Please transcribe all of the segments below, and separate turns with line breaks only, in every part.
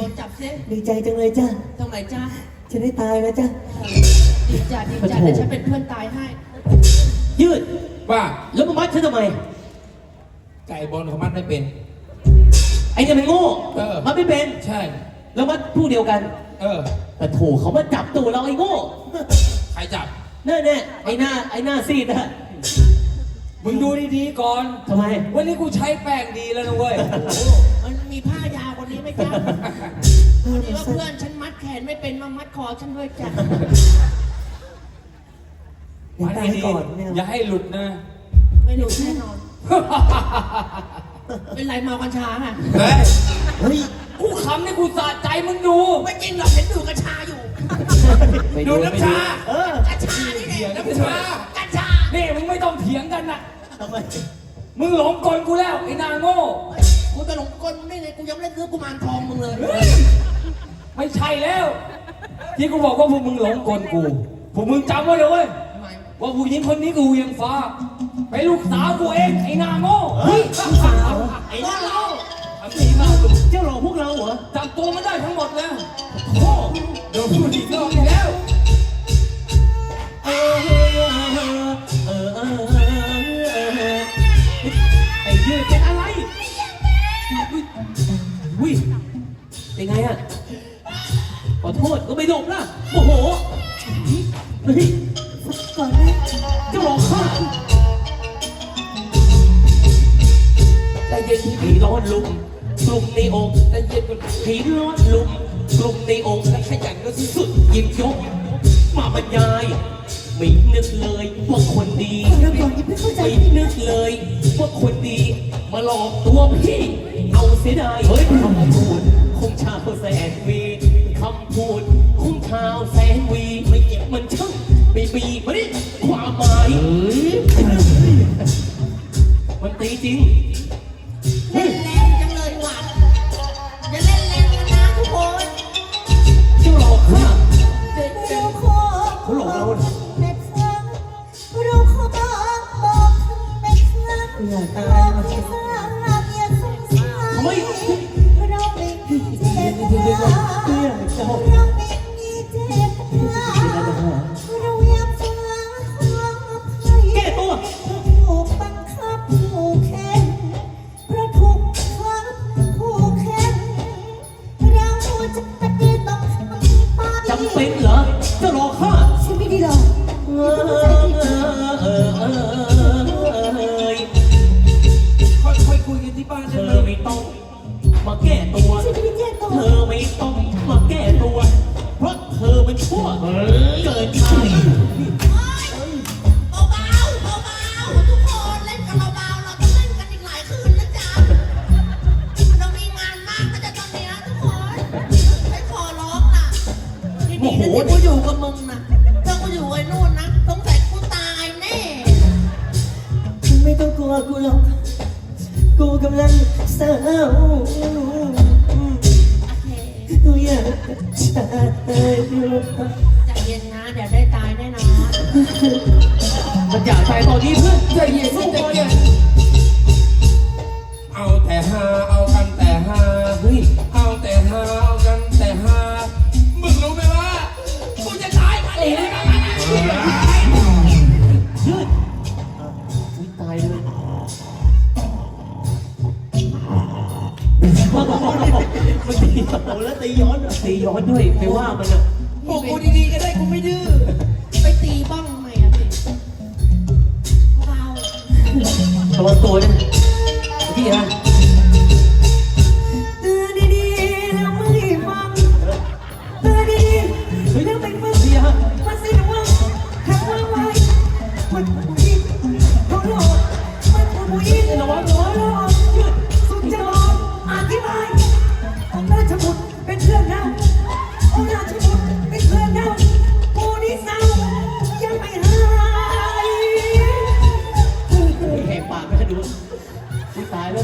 จับเส้น
ดีใจจังเลยจ้ะ
ตรงไหนจ้า
จะได้ตายแล้วจ้ะ
ดีจ้าดีจ้าเดี๋ยวฉันเป็นเพื่อนตายให้
ยืด
ว่า
แล้วมามัดฉันทำไม
ไก่บอลเขามัดไม่เป็น
ไอ้เนี่ยมันโง่ มันไม่เป็น
ใช่
แล้วมัดผู้เดียวกัน แต่โถเขามาจับตัวเราไอ้โง่
ใครจับ
แน่ๆไอ้หน้าซีดนะ
มึงดูดีๆก่อน
ทำไม
วันนี้กูใช้แป้งดีแล้วนะเว้ย
มันมีผ้ายาวกว่านี้ไหมจ้าพอดีว่าเพื่อนฉันมัดแขนไม่เป็นมามัดคอฉันด้วยจ้ะ
เดี๋ยวตายก่อนเนี่ย
อย่าให้หลุดนะ
ไม่หลุดแน่นอน เป็นไรเมากัญชาค่ะ
เฮ้ย
เฮ้ย
กูขำนี่กูสะใจมึงดู
ไม่จริงหรอกเห็นดูกัญชาอยู่
ดูน้ำชา
กัญชานี่แหละ
น้ำชา
กัญชา
นี่มึงไม่ต้องเถียงกันนะ
ทำไม
มึงหลงกลกูแล้วไอ้นางโง่
กูจะหลงกลมึงได้ไงกูยังไม่ได้ซื้อกุมารทองมึงเลย
ไม่ใช่แล้ว ที่กูบอกว่าพวกมึงหลงกลกู พวกมึงจำไว้เลยเว้ย
ทำไม
ว่าผู้หญิงคนนี้กูยังฟ้าเป็นลูกสาวกูเองไอ้นางโง่
เฮ้ยลูกสาว
ไอ้น้องเรา
ทำดีมากลูก
เจ้าหลอกพวกเราเหรอ
จับตัวมันได้ทั้งหมดแล้ว
โอ้
โดนพูดอีกรอบอีกแล้ว
เออไอ้ยืดเป็นอะไรวิเป็นไงอะขอโทษก็ไม่หลบล่ะโอ้โหเฮ้ย
ก่อนนะ
เจ้าหลอกข้า
แต่เย็นที่
ผีร้อนลุมกลุ่มในอก
แต่เย็นมัน
ผีร้อนลุมกลุ่มในอกและขยันก็สุดหยิบยกมาบรรยายไม่นึกเลยว่าคนดี
เราก่อนยังไม่เข้าใจ
ไม่นึกเลยว่าคนดีมาหลอกตัวพี่เอาเสียดายเฮ้ยคำพูดคงชาวแสนวีคำพูดคงชาวแสนวีไม่เก็บมันช่างไม่มีมันนี่ความหมายมันตีจริง
เล่นแรงจังเลยหวานอย่าเล่นแรงกันนะทุกคน
เจ้าหลอกข้า
เราขอ
เขาหลอกเราน่ะ
แม่ครั้งเราขอบอกแม่ครั้งอย่าตายมาสิ
ทำไม
เราไม่มีเจตนาเราไม่มีเจตนาเราอยากฟังความอภัย
แก้ตัว
ถูกบังคับผูกแขนเพราะถูกบังคับผูกแขนเราจะปฏิบัติไป
จำเป็นเหรอเจ้าหลอกข้า
ฉันไม่ได้หรอก
ค่อยๆคุยกันที่บ้าน
เธ
ได้
อ
ไหม
ไม่ต้องมาแก้ตัว
ฉันไม่ได้แก้ตัว
เธอไม่ต้องมาแก้ตัว เพราะเธอมันชั่วเกินไป
เบาๆเบาๆทุกคนเล่นกันเบาๆเราต้องเล่นกันอีกหลายคืนนะจ๊ะเรามีงานมากนะจ๊ะตอนเนี้ยทุกคนไม่ขอร้องนะที่นี่นะที่กูอยู่กับมึงนะถ้ากูอยู่ไอ้นู่นนะสงสัยกูตายแน่
ไม่ต้องกลัวกูหรอกกูกำลังเศร้า
โอเค
กูอยากจะตายอยู่
ใจเย็นนะเดี๋ยวได้ตายแน่นอน
มันอยากตายตอนนี้เพื่อน
ใจเย็น
สู้
ใจ
ก่อน
เย็น
เอาแต่หาเอากันแต่หา
เฮ้ย
เอาแต่หาเอากันแต่หามึงรู้ไหมว่ากูจะตายมาดิ
ยืดอุ๊ยตายเลยมันตีโอ้แล้วตีย้อนตีย้อนด้วยไปว่ามันอ่ะ
บอกกูดีๆก็ได้กูไม่ดื้อ
ไปตีบ้องทำไมอะพี่เบา
ระวังตัวนะพี่ฮะ
เตือนดีๆแล้วไม่ฟังเตือนดีๆแล้วไม่ฟัง
พี่ฮะ
มันสิระวังหักวางไว้มันผู้หญิงเขาหลอกมันผู้หญิงระวังหัวหลอกยืดสุดจะบอกอธิบายองค์ราชบุตรเป็นเพื่อนเราองค์ราชบุตรเป็นเพื่อนเราปูนิสาวยังไม่หาย
แหกปากไม่ให้ดูอุ๊ยตายแล้ว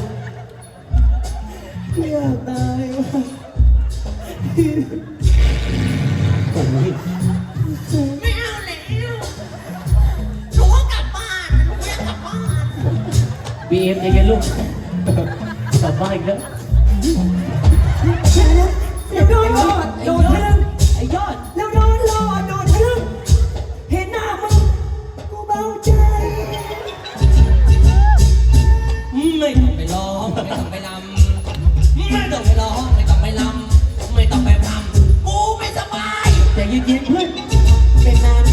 อยากตายว่ะ
โอ้ย
ๆไม่เอาแล้วหนูก็กลับบ้านหนูอยากกลับบ้าน
บีเอ็มใจเย็นลูกกลับบ้านอีกแล้ว
เดี๋ยวนะเดี๋ยว
ไม่ต้องไปลำไม่ต้องไปร้องไม่ต้องไปลำไม่ต้องไปพรำกูไม่สบาย
แต่เย็นๆเพื่อนเป็นนาน